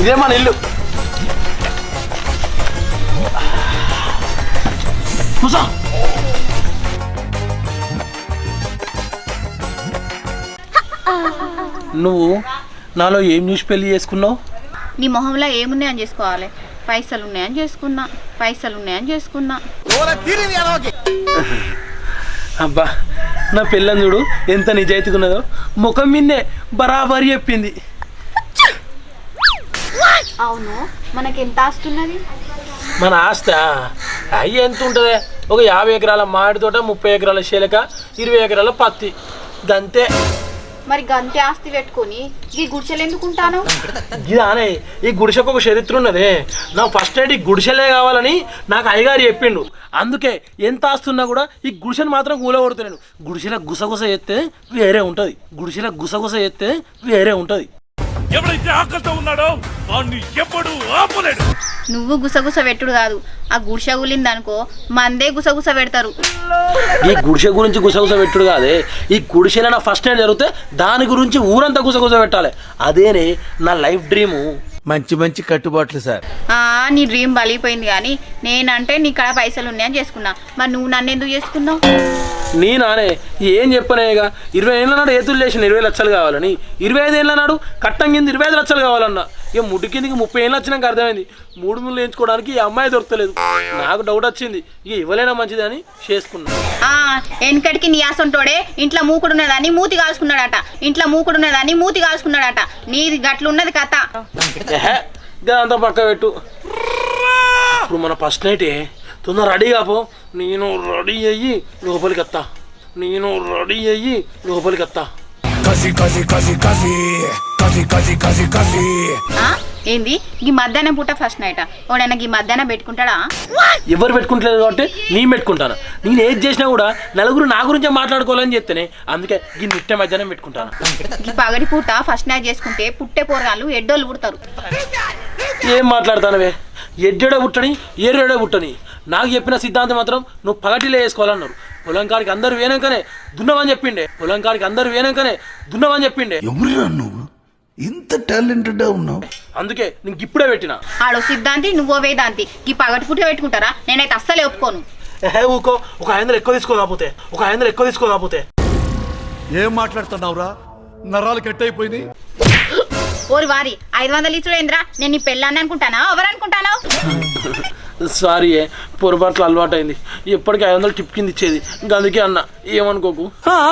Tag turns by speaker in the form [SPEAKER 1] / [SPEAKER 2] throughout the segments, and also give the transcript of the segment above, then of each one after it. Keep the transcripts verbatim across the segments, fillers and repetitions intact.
[SPEAKER 1] ఇదే మన ఇల్లు. కూసో. నువ్వు నాలో ఏం చూసి పెళ్లి చేసుకున్నావు?
[SPEAKER 2] నీ మొహంలో ఏమున్నాయని చేసుకోవాలి? పైసలు ఉన్నాయని చేసుకున్నా, పైసలు ఉన్నాయని చేసుకున్నా.
[SPEAKER 1] అబ్బా నా పిల్లని చూడు ఎంత నిజాయితీగా ఉన్నదో. ముఖం మిన్నే బరాబరి చెప్పింది.
[SPEAKER 2] అవును, మనకి ఎంత ఆస్తున్నది?
[SPEAKER 1] మన ఆస్త అయ్యి ఎంత ఉంటుంది? ఒక యాభై ఎకరాల మామిడి తోట, ముప్పై ఎకరాల శీలక, ఇరవై ఎకరాల పత్తి, గంతే.
[SPEAKER 2] మరి గంతే ఆస్తి పెట్టుకొని ఈ గుడిసెలు ఎందుకుంటాను?
[SPEAKER 1] ఇదానే ఈ గుడిసెకు ఒక చరిత్ర ఉన్నది. నాకు ఫస్ట్ నైట్ ఈ గుడిసెలే కావాలని నాకు అయ్యగారు చెప్పిండు. అందుకే ఎంత ఆస్తున్నా కూడా ఈ గుడిసెను మాత్రం కూలగొడుతున్నాను. గుడిసెల గుసగుస ఎత్తే వేరే ఉంటుంది. గుడిసెల గుసగుస ఎత్తే వేరే ఉంటుంది.
[SPEAKER 3] ఎవరైతే ఆకలితో ఉన్నాడో వాడిని ఎప్పుడు ఆపలేడు.
[SPEAKER 2] నువ్వు గుసగుస పెట్టుడు కాదు, ఆ గుడిసె గులింది అనుకో మందే గుసగుస పెడతారు.
[SPEAKER 1] ఈ గుడిసె గురించి గుసగుస పెట్టుడు కాదే, ఈ గుడిసెలో నా ఫస్ట్ నైట్ జరిగితే దాని గురించి ఊరంతా గుసగుస పెట్టాలి. అదేనే నా లైఫ్ డ్రీము.
[SPEAKER 4] మంచి మంచి కట్టుబాట్లు సార్.
[SPEAKER 2] ఆ నీ డ్రీమ్ బలిపోయింది కానీ నేనంటే నీ కాడ పైసలు ఉన్నాయని చేసుకున్నా. మరి నువ్వు నన్ను ఎందుకు చేసుకున్నావు?
[SPEAKER 1] నీ నానే ఏం చెప్పనేగా, ఇరవై ఏళ్ళ నాడు ఏతులు చేసిన ఇరవై లక్షలు కావాలని, ఇరవై ఐదు ఏళ్ళ నాడు కట్టం కింద ఇరవై ఐదు లక్షలు కావాలన్నా. ఇక ముడ్డు కిందకి ముప్పై ఏళ్ళు వచ్చినాక అర్థమైంది మూడు ముళ్ళు వేయించుకోవడానికి ఈ అమ్మాయి దొరకలేదు. నాకు డౌట్ వచ్చింది, ఇక ఇవ్వలేనా మంచిది అని చేసుకున్నా.
[SPEAKER 2] వెనకటికి నీ ఆసంటోడే ఇంట్లో మూకుడున్నదాన్ని మూతి కాల్చుకున్నాడట, ఇంట్లో మూకుడున్నదాన్ని మూతి కాల్చుకున్నాడట. నీది గట్లున్నది కథ.
[SPEAKER 1] అంతా పక్క పెట్టు. ఇప్పుడు మన ఫస్ట్ నైటే తొందర రెడీ కాపో. నేను రెడీ అయ్యి లోపలికి వస్తా. నేను రెడీ అయ్యి లోపలికి వస్తా.
[SPEAKER 2] ఏంది ఈ మధ్యాహ్నం పూట ఫస్ట్ నైట్? ఓడైనా ఈ మధ్యాహ్నం పెట్టుకుంటాడా?
[SPEAKER 1] ఎవరు పెట్టుకుంటలేదు కాబట్టి నేను పెట్టుకుంటాను. నేను ఏది చేసినా కూడా నలుగురు నా గురించే మాట్లాడుకోవాలని చెప్తేనే, అందుకే ఈ నిట్ట మధ్యాహ్నం పెట్టుకుంటాను.
[SPEAKER 2] ఈ పగటి పూట ఫస్ట్ నైట్ చేసుకుంటే పుట్టే పోరగాళ్ళు ఎడ్డోళ్ళు పుడతారు.
[SPEAKER 1] ఏం మాట్లాడతానవే? ఎడ్డెడో పుట్టని ఏరేడో పుట్టని నాకు చెప్పిన సిద్ధాంతం మాత్రం నువ్వు పగటిలో వేసుకోవాలన్నారు. పొలం కాడికి అందరు వేనాకనే దున్నవని చెప్పిండే. పొలం కాడికి అందరు వేనాకనే దున్నవని చెప్పిండే.
[SPEAKER 4] ఎవరురా నువ్వు ఇంత టాలెంటెడ్ ఉన్నావు?
[SPEAKER 1] అందుకే నీకు ఇప్పుడే పెట్టినా.
[SPEAKER 2] ఆడో సిద్ధాంతి, నువ్వో వేదాంతి. ఈ పగటి పూట పెట్టుకుంటారా? నేనైతే అస్సలే ఒప్పుకోను.
[SPEAKER 1] ఏ ఊకో, ఒక ఐదు వందలు ఎక్కువ తీసుకోకపోతే ఒక ఐదు వందలు ఎక్కువ తీసుకోకపోతే
[SPEAKER 3] ఏం మాట్లాడుతున్నావురా? నరాలు కట్ అయిపోయింది.
[SPEAKER 2] ఓరి వారి ఐదు వందలు ఇచ్చుడేంద్రా? నేను నీ పెళ్ళాన్ని అనుకుంటానా ఎవరు అనుకుంటానా?
[SPEAKER 1] సారీ, పొరపాట్లు అలవాటు అయింది. ఎప్పటికీ ఐదు వందలు టిప్ కింద ఇచ్చేది, ఇంకా అందుకే అన్న ఏమనుకోకు.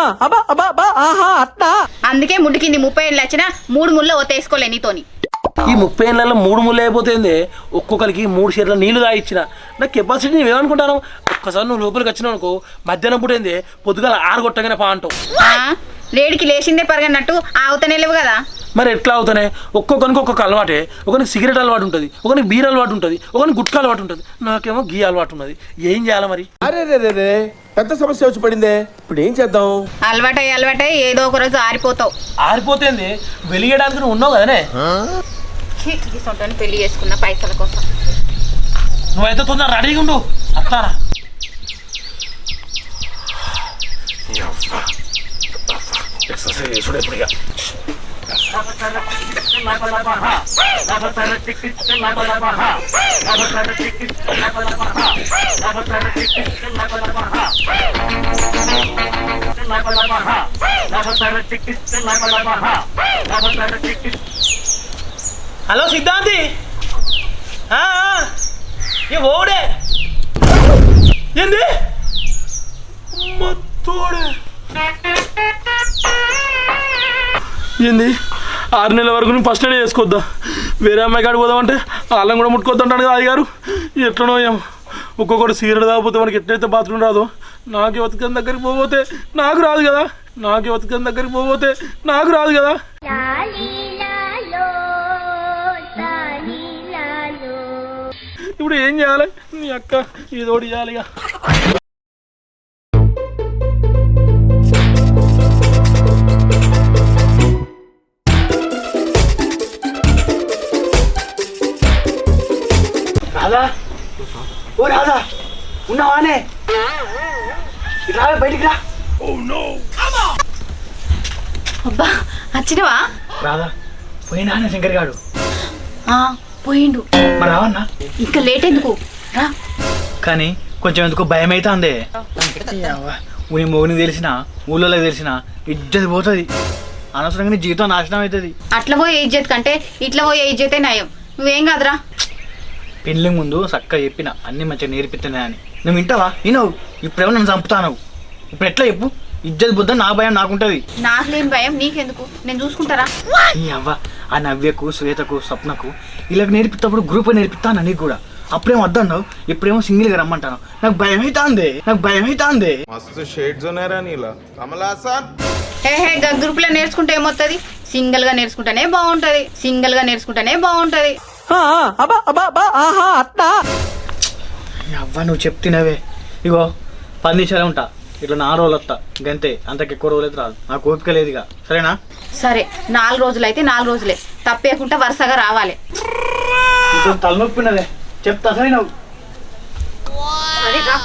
[SPEAKER 2] అందుకే ముడ్డు కింది ముప్పై ఏళ్ళు వచ్చినా మూడు ముళ్ళు ఓతేసుకోలే నీతోని.
[SPEAKER 1] ఈ ముప్పై ఏళ్ళలో మూడు ముళ్ళు అయిపోతుంది. ఒక్కొక్కరికి మూడు షేర్ల నీళ్లు తాగిచ్చిన. నా కెపాసిటీ నువ్వు ఏమనుకుంటాను? ఒక్కసారి నువ్వు లోపలికి వచ్చినావు అనుకో, మధ్యాహ్నం పుట్టింది పొద్దుగాల ఆరు కొట్టగానే పా అంటావు.
[SPEAKER 2] లేడికి లేచిందే పరగన్నట్టు ఆవుతనే లేవు కదా.
[SPEAKER 1] మరి ఎట్లా అవుతానే? ఒక్కొక్కరికి ఒక్కొక్క అలవాటే. ఒకరికి సిగరెట్ అలవాటు ఉంటుంది, ఒకరికి బీర్ అలవాటు ఉంటుంది, ఒకరికి గుట్కా అలవాటు ఉంటుంది, నాకేమో గీ అలవాటు ఉన్నది. ఏం చేయాలి మరి?
[SPEAKER 4] అరే రే రే పెద్ద సమస్య వచ్చి పడిందే. ఇప్పుడు ఏం చేద్దాం?
[SPEAKER 2] అలవాటై అలవాటై ఏదో ఒక రోజు ఆరిపోతావు.
[SPEAKER 1] ఆరిపోతుంది వెలిగేయడానికి నువ్వు ఉన్నావు కదనే.
[SPEAKER 2] పెళ్లి చేసుకున్న పైసల కోసం
[SPEAKER 1] నువ్వైతే తొందర రెడీగా ఉండు. అత్తారా ఎక్సర్సైజ్ చేసుడు ఎప్పుడుగా. హలో సిద్ధాంతి, ఏ ఓడే ఏంది మొత్తోడే ఏంది? ఆరు నెలల వరకు నేను ఫస్ట్ ఎయిడ్ చేసుకోవద్దా? వేరే అమ్మాయి కాడికి పోదామంటే వాళ్ళని కూడా ముట్టుకోద్దంటాడు కదా అయ్యగారు. ఎట్లనో ఏమో, ఒక్కొక్కటి సిగరెట్ తాగిపోతే మనకి ఎట్లయితే బాత్రూమ్ రాదో, నాకు బతుకని దగ్గరికి పోతే నాకు రాదు కదా. నాకు బతుకని దగ్గరికి పోతే నాకు రాదు కదా. ఇప్పుడు ఏం చేయాలి? నీ అక్క ఇదోటి చేయాలిగా. రాదా? ఓ రాదా, ఉన్నావానే? రా బయటికి రా.
[SPEAKER 2] అబ్బా వచ్చినవా?
[SPEAKER 1] రాదా పోయినా శంకర్ గాడు.
[SPEAKER 2] ఆ, పోయిండు.
[SPEAKER 5] మరి రావన్నా
[SPEAKER 2] ఇంకా లేట్ ఎందుకు రా.
[SPEAKER 5] కానీ కొంచెం ఎందుకో భయం అయితే అందే ఊరి మోగిని తెలిసిన ఊళ్ళో తెలిసిన ఇజ్జతి పోతుంది, అనవసరంగా నీ జీవితం నాశనం అవుతుంది.
[SPEAKER 2] అట్లా పోయే ఇజ్జత్ కంటే ఇట్లా పోయే ఇజ్జతే నయం. నువ్వేం కాదురా.
[SPEAKER 5] పెళ్ళి ముందు చక్కగా చెప్పిన అన్ని మంచిగా నేర్పిస్తున్నా అని నువ్వు వింటావా? వినవు. ఇప్పుడేమో నన్ను చంపుతావు. ఇప్పుడు ఎట్లా చెప్పు? ఇజ్జత్ బుద్ధ నా భయం నాకుంటది.
[SPEAKER 2] నాకు లేని భయం నీకెందుకు, నేను చూసుకుంటారా.
[SPEAKER 5] ఈ అవ్వ ఆ నవ్యకు శ్వేతకు స్వప్నకు ఇలా నేర్పిస్తప్పుడు గ్రూప్ నేర్పిస్తాను నీకు కూడా. అప్పుడేమో వద్దన్నావు, ఇప్పుడేమో సింగిల్గా రమ్మంటాను. నాకు భయం అయితే అందే, నాకు భయం అయితే అందే.
[SPEAKER 6] మస్తు షేడ్స్ ఉన్నారా నీలా కమలాసన్.
[SPEAKER 2] హే హే గా గ్రూప్ లో నేర్చుకుంటే ఏమవుతుంది? సింగిల్ గా నేర్చుకుంటేనే బాగుంటది, సింగిల్ గా నేర్చుకుంటేనే బాగుంటది.
[SPEAKER 5] అవ్వ నువ్వు చెప్తున్నావే. ఇగో పది నిమిషాలే ఉంటా, ఇట్లా నాలుగు రోజులు వస్తా గంతే, అంతకు ఎక్కువ రోజులు అయితే రాదు. నాకు ఓపిక లేదు ఇక. సరేనా?
[SPEAKER 2] సరే, నాలుగు రోజులు అయితే నాలుగు రోజులే, తప్పేకుండా వరుసగా రావాలి.
[SPEAKER 5] ఇంకొంచెం తలనొప్పినదే చెప్తా. సరే నువ్వు
[SPEAKER 2] సరే రా.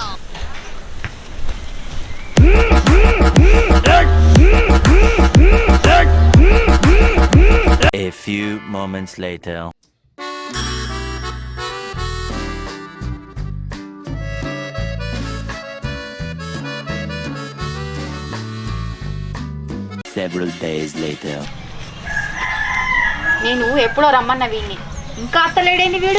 [SPEAKER 7] A few moments later. Several days later.
[SPEAKER 2] నేను ఎప్పుడో రమ్మన్న వీడిని, ఇంకా అత్తలేడేంది వీడు?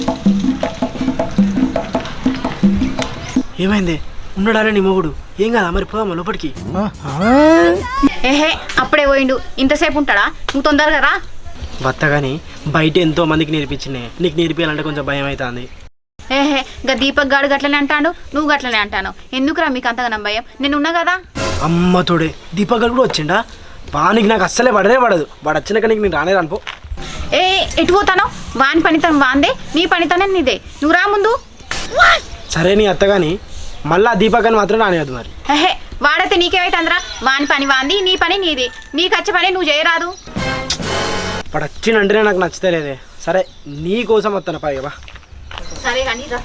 [SPEAKER 8] ఏమైంది? ఉన్నాడానే నీ మొగుడు? ఏం కదా మరి పోదామా లోపలికి?
[SPEAKER 2] ఏహే అప్పుడే పోయిండు, ఇంతసేపు ఉంటాడా? నువ్వు తొందరగా రా.
[SPEAKER 8] వత్త కానీ బయట ఎంతో మందికి నేర్పించినాయి, నీకు నేర్పించాలంటే కొంచెం భయం అవుతుంది.
[SPEAKER 2] ఏహే గా దీపక్ గాడు గట్లనే అంటాడు, నువ్వు గట్లనే అంటాను. ఎందుకురా మీకు అంతగా భయం? నేను ఉన్నా కదా.
[SPEAKER 8] అమ్మ తోడే దీపక్ గారు కూడా వచ్చిండా? వానికి నాకు అస్సలే పడనే పడదు. వాడు వచ్చినాక నీకు నేను రానే రానుకో.
[SPEAKER 2] ఏ ఎటు పోతాను? వాని పనితనం వాందే, నీ పనితనం నీదే. నువ్వు రా ముందు.
[SPEAKER 8] సరే నీ అత్త కానీ మళ్ళీ దీపక్ అని మాత్రం రానివద్దు మరి.
[SPEAKER 2] హే వాడైతే నీకేమైతే అందరా? వాని పని వాంది, నీ పని నీది. నీకు వచ్చే పని నువ్వు చేయరాదు.
[SPEAKER 8] వాడు వచ్చినంటేనే నాకు నచ్చతలేదే. సరే నీ కోసం వస్తాను పైగా.
[SPEAKER 2] సరే కానీ రా.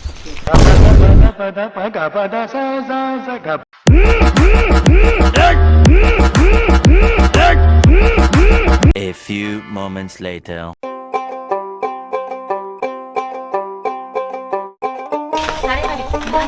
[SPEAKER 7] A few moments later.
[SPEAKER 2] సరే కానీ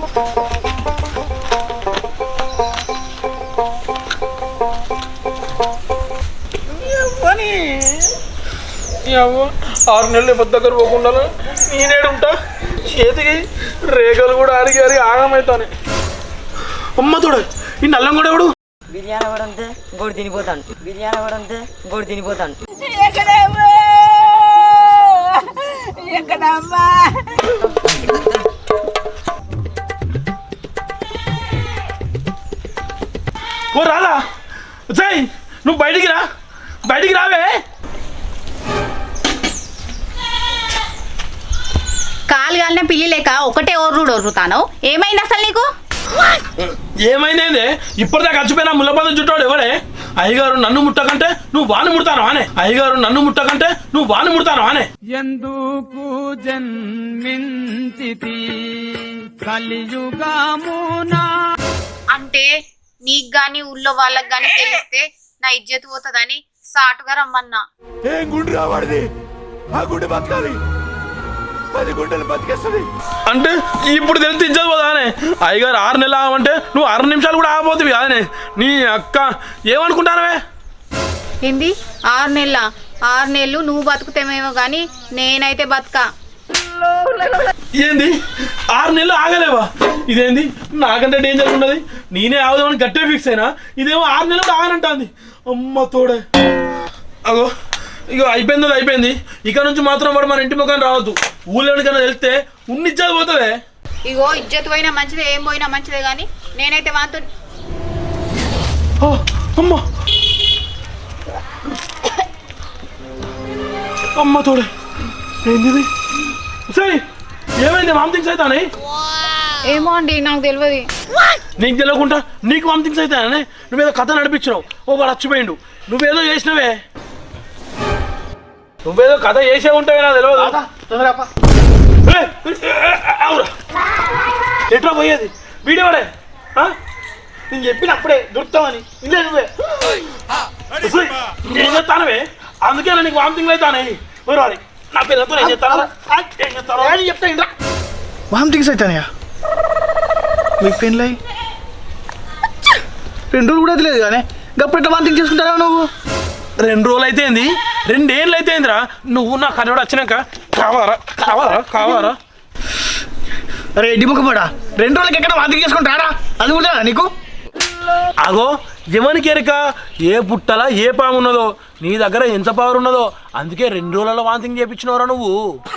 [SPEAKER 1] ఆరు నెలలు ఎవరి దగ్గర పోకుండా నేనేడు ఉంటా. చేతికి రేఖలు కూడా అరిగి అరిగి ఆగమవుతాను. అమ్మ తోడు ఈ నల్లం కూడా ఎవడు?
[SPEAKER 9] బిర్యానీ కూడా అంతే ఇంకోటి తినిపోతాను. బిర్యానీ కూడా అంతే ఇంకోటి తినిపోతాను.
[SPEAKER 1] ఓ రాలా జై, నువ్వు బయటికి రా, బయటికి రావే.
[SPEAKER 2] కాలు కాలిన పిల్లి లేక ఒకటే ఓర్రుడు ఓర్రుతాను. ఏమైంది అసలు నీకు?
[SPEAKER 1] ఏమైందే? ఇప్పటిదాకా చచ్చిపోయినా ముల్లబందం చుట్టాడు ఎవడే? అయ్యగారు నన్ను ముట్టకంటే నువ్వు వాణ్ణి ముడతాను అనే. అయ్యగారు నన్ను ముట్టకంటే నువ్వు వాణ్ణి ముడతాను అనే.
[SPEAKER 10] ఎందుకు జన్మించితి కలియుగమునా
[SPEAKER 2] అంటే నీకు గాని ఊళ్ళో వాళ్ళకి గాని తెలిస్తే నా ఇజ్జత్ పోతుందని సాటుగా రమ్మన్నా.
[SPEAKER 4] ఏం గుండు రావాడిది? ఆ గుండె బతకాలి, పది గుండెలు బతికేస్తుంది.
[SPEAKER 1] అంటే ఇప్పుడు తెలిసి ఇజ్జత్ పోదా అనే. అయ్యగారు ఆరు నెలలు ఆగమంటే నువ్వు ఆరు నిమిషాలు కూడా ఆగబోతుంది కాదనే. నీ అక్క ఏమనుకుంటానవే?
[SPEAKER 2] ఏంది ఆరు నెలల? ఆరు నెలలు నువ్వు బతుకుతామేమో కానీ నేనైతే బతుకా.
[SPEAKER 1] ఏంది ఆరు నెలలు ఆగలేవా? ఇదేంది నాకంటే డేంజర్ ఉన్నది. నేనే ఆగుదామని గట్టే ఫిక్స్ అయినా, ఇదేమో ఆరు నెలలు ఆగనంటుంది. అమ్మ తోడే. అగో ఇగో అయిపోయింది, అది అయిపోయింది. ఇక నుంచి మాత్రం వాడు మన ఇంటి ముఖాన్ని రావద్దు. ఊళ్ళోనికన్నా వెళ్తే ఉన్ని ఇజ్జత్ పోతుంది.
[SPEAKER 2] ఇగో ఇజ్జత్ పోయినా మంచిదే, ఏం పోయినా మంచిదే కానీ నేనైతే వాంతో.
[SPEAKER 1] అమ్మ అమ్మ తోడే. ఏంది సరే ఏమైంది? వామిటింగ్స్ అవుతానే?
[SPEAKER 2] ఏమో అండి నాకు తెలియదు.
[SPEAKER 1] నీకు తెలియకుండా నీకు వామిటింగ్స్ అవుతాయని నువ్వేదో కథ నడిపించినావు. ఓ వాడు చచ్చిపోయిండు, నువ్వేదో చేసినవే. నువ్వేదో కథ చేసే ఉంటావే నాకు తెలియదు. అవురా ఎట్లా పోయేది? వీడియోడే నేను చెప్పిన అప్పుడే దొరుకుతామని. ఇల్లే నువ్వే నేను చెప్తానవే, అందుకే నీకు వామిటింగ్లు అవుతానే. వాడి నా పిల్లలతో ఏం చేస్తారా ఏం చేస్తారో
[SPEAKER 5] చెప్తా ఇంద్రా వామిటింగ్స్ అవుతానయా మీకు పెళ్ళి రెండు రోజులు కూడా తెలియదు కానీ గప్పుడు వామిటింగ్ చేసుకుంటారా నువ్వు
[SPEAKER 1] రెండు రోజులు అయితే ఏంది రెండేళ్ళు అయితే ఏందిరా నువ్వు నా కన్నడ వచ్చినాక కావారా కావారా కావారా
[SPEAKER 5] అరే ఎడ్డి ముఖపడా రెండు రోజులకి ఎక్కడ వామిటింగ్ చేసుకుంటారా అది కూడా నీకు
[SPEAKER 1] అగో ఎవరికి ఎరక ఏ పుట్టల ఏ పాము ఉన్నదో నీ దగ్గర ఎంత పవర్ ఉన్నదో అందుకే రెండు రోజులలో వాంతింగ్ చేయించినవరా నువ్వు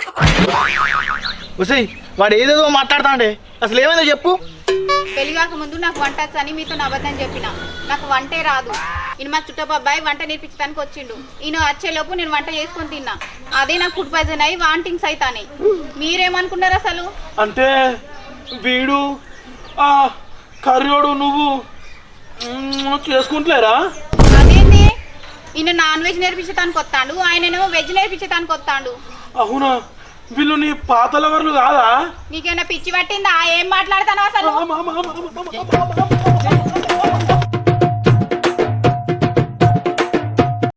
[SPEAKER 5] వసై వాడు ఏదేదో మాట్లాడతాండే అసలు ఏమైందో చెప్పు
[SPEAKER 2] పెళ్లి కాక ముందు నాకు వంట వచ్చని మీతో అబద్ధం చెప్పిన నాకు వంటే రాదు ఈయన మా చుట్టపు అబ్బాయి వంట నేర్పించడానికి వచ్చిండు ఈయన వచ్చేలోపు నేను వంట చేసుకొని తిన్నా అదే నాకు ఫుడ్ పాయిజన్ అయ్యి వాంటింగ్స్ అవుతాయి మీరేమనుకున్నారు అసలు
[SPEAKER 1] అంటే వీడు ఆ కర్రోడు నువ్వు చేసుకుంటలేరా
[SPEAKER 2] అదేంటి ఈయన నాన్ వెజ్ నేర్పించడానికి వస్తాడు ఆయనేమో వెజ్ నేర్పించడానికి వస్తాడు
[SPEAKER 1] అవునా వీళ్ళు నీ పాతల వర్లు కాదా
[SPEAKER 2] నీకేమైనా పిచ్చి పట్టిందా ఏం మాట్లాడతాను అసలు